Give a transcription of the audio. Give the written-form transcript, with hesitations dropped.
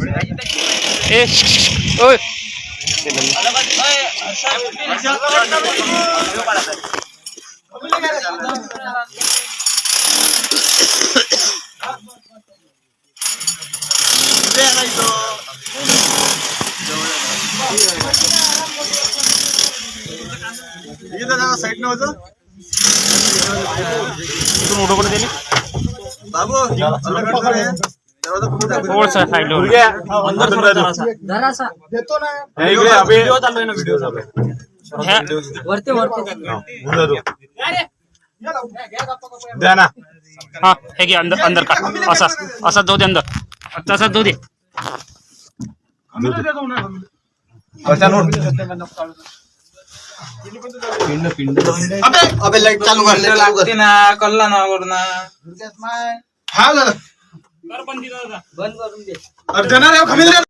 ए ओय साइड न होतो मोठं कडे दिली बाबू थोडसा साइड जरासा देतो ना व्हिडिओ चालू आहे ना व्हिडिओ चालू आहे वरती वरती द्या ना हाँ है कि अंदर अंदर का असा असा जाऊ दे अंदर तसा जाऊ दे अबे अबे लाइट चालू कर लागते ना कल्ला ना वरना हा दादा बंद करून दे देणार आहे खमील